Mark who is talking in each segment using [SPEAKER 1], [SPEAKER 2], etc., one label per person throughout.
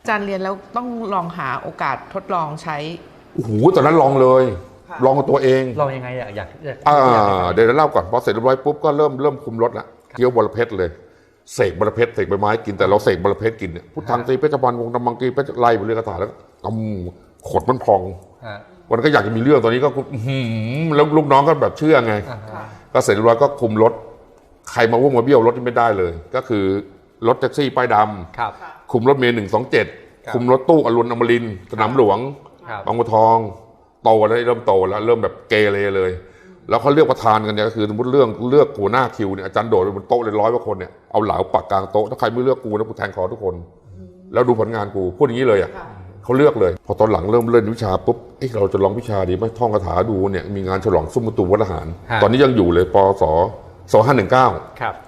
[SPEAKER 1] อาจารย์เรียนแล้วต้องลองหาโอกาสทดลองใช้
[SPEAKER 2] โอ้โหตอนนั้นลองเลยลองกับตัวเอง
[SPEAKER 3] ลองยังไงอยาก
[SPEAKER 2] เดี๋ยวเล่าก่อนพอเสร็จเรียบร้อยปุ๊บก็เริ่มคุมรถละเคี้ยวบรเพชรเลยเสกบรเพชรเสกใบไม้กินแต่เราเสกบรเพชรกินเนี่ยพุทธังตีเพชรบาลวงตำมังตีเพชรไล่ไปเรื่อยกระถาแล้วขดมันพองวันก็อยากจะมีเรื่องตอนนี้ก็แล้วลูกน้องก็แบบเชื่อไงก็เสร็จเรียบร้อยก็คุมรถใครมาวุ่นมาเบี้ยวรถนี่ไม่ได้เลยก็คือรถแท็กซี่ป้ายดำคุมรถเมล์127คุมรถตู้อรุณอมรินทร์สนามหลวงบางบัวทองโตแล้วเริ่มโตแล้วเริ่มแบบเกเรเลยแล้วเขาเลือกประธานกันเนี่ยก็คือสมมติเลือกหัวหน้าคิวเนี่ยอาจารย์โดดบนโต๊ะเลย100 กว่าคนเนี่ยเอาเหลาปักกลางโต๊ะถ้าใครไม่เลือกกูนะกูแทงคอทุกคนแล้วดูผลงานกูพูดอย่างนี้เลยอ่ะเขาเลือกเลยพอตอนหลังเริ่มเล่นวิชาปุ๊บเราจะลองวิชาดีไหมท่องคาถาดูเนี่ยมีงานฉลองซุ้มประตูวัดทหารตอนนี้ยังอยู่เลยปศ2519
[SPEAKER 3] ครับ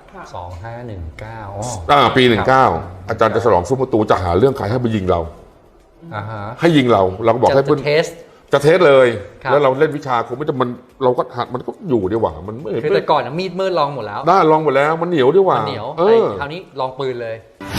[SPEAKER 3] 2519
[SPEAKER 2] ปี 19อาจารย์จะฉลองซุ้มประตูจะหาเรื่องใครให้ไปยิงเราให้ยิงเราก็บอกให้เพื่อนจะเทสเลยแล้วเราเล่นวิชาคงไม่จะมันเราก็หัดมันก็อยู่ดีกว่ามันไม่
[SPEAKER 3] คือแต่ก่อนมีดมืดลองหมดแล้ว
[SPEAKER 2] ได้ลองหมดแล้วมันเหนียวดีกว่า
[SPEAKER 3] เหนียวคราวนี้ลองปืนเลย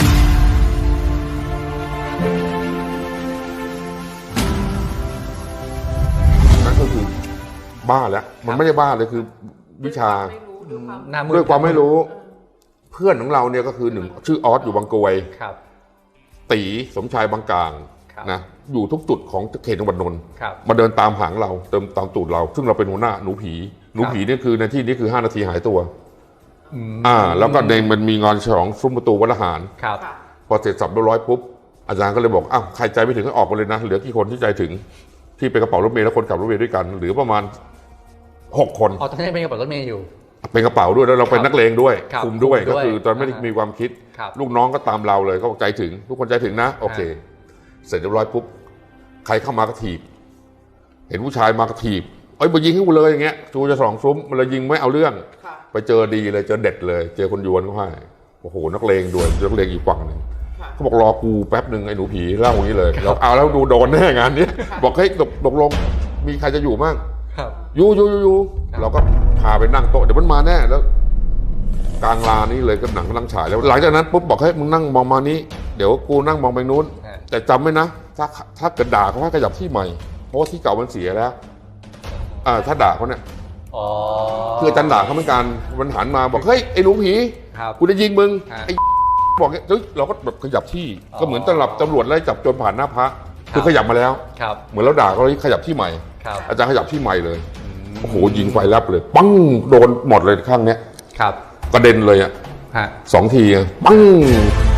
[SPEAKER 2] นั่นก็คือบ้าแล้วมันไม่ได้บ้าเลยคือวิชาด้วยความไม่รู้เพื่อนของเราเนี่ยก็คือหนึ่งชื่อออสอยู่บางกรวยตีสมชายบางกลางนะอยู่ทุกจุดของเขตจังหวัดนนท์มาเดินตามหางเราเติมตามตูดเราซึ่งเราเป็นหัวหน้าหนูผีนี่คือในที่นี้คือ5 นาทีหายตัวแล้วก็มันมีงานฉลองซุ้มประตูวัดทหารพอเสร็จสับเรียบร้อยปุ๊บอาจารย์ก็เลยบอกอ้าวใครใจไม่ถึงก็ออกมาเลยนะเหลือกี่คนที่ใจถึงที่เป็นกระเป๋ารถเมล์และคนขับรถเมล์ด้วยกันหรือประมาณ6 คน
[SPEAKER 3] ตอนนี้เป็นกระเป๋ารถเมล์อยู่
[SPEAKER 2] เป็นกระเป๋าด้วยแล้วเราเป็นนักเลงด้วยคุมด้วยก็คือตอนไม่ได้มีความคิดลูกน้องก็ตามเราเลยก็บอกใจถึงทุกคนใจถึงนะโอเคเสร็จเรียบร้อยปุ๊บใครเข้ามากระถีบเห็นผู้ชายมากระถีบมายิงให้กูเลยอย่างเงี้ยจูจะ2 ซุ้มมันเลยยิงไม่เอาเรื่องไปเจอดีเลยเจอเด็ดเลยเจอคนยวนเขาให้โอ้โหนักเลงด้วยนักเลงอีกฝั่งนึงเขาบอกรอกูแป๊บนึงไอ้หนูผีเล่าอย่างนี้เลยเราเอาแล้วดูโดนแน่งานนี้บอกให้ตกลงมีใครจะอยู่มั่งอยู่เราก็พาไปนั่งโต๊ะเดี๋ยวมันมาแน่แล้วกลางลานนี้เลยก็หนังกำลังฉายแล้วหลังจากนั้นปุ๊บบอกให้มึงนั่งมองมานี้เดี๋ยวกูนั่งมองไปนู้นแต่จำไว้นะถ้าเกิดด่าเขาให้ขยับที่ใหม่เพราะว่าที่เก่ามันเสียแล้วถ้าด่าเขาเนี่ยคืออาจารย์ด่าเขาเหมือนกันมันหันมาบอกเฮ้ยไอ้หนูผีกูจะยิงมึงไอ้บอกเฮ้ยเราก็แบบขยับที่ก็เหมือนตำรวจไล่จับโจรผ่านหน้าพระคือขยับมาแล้วเหมือนเราด่าเขาเลยขยับที่ใหม่อาจารย์ขยับที่ใหม่เลยโอ้โหยิงไฟแลบเลยปังโดนหมดเลยข้างเนี้ยกระเด็นเลย2 ทีปัง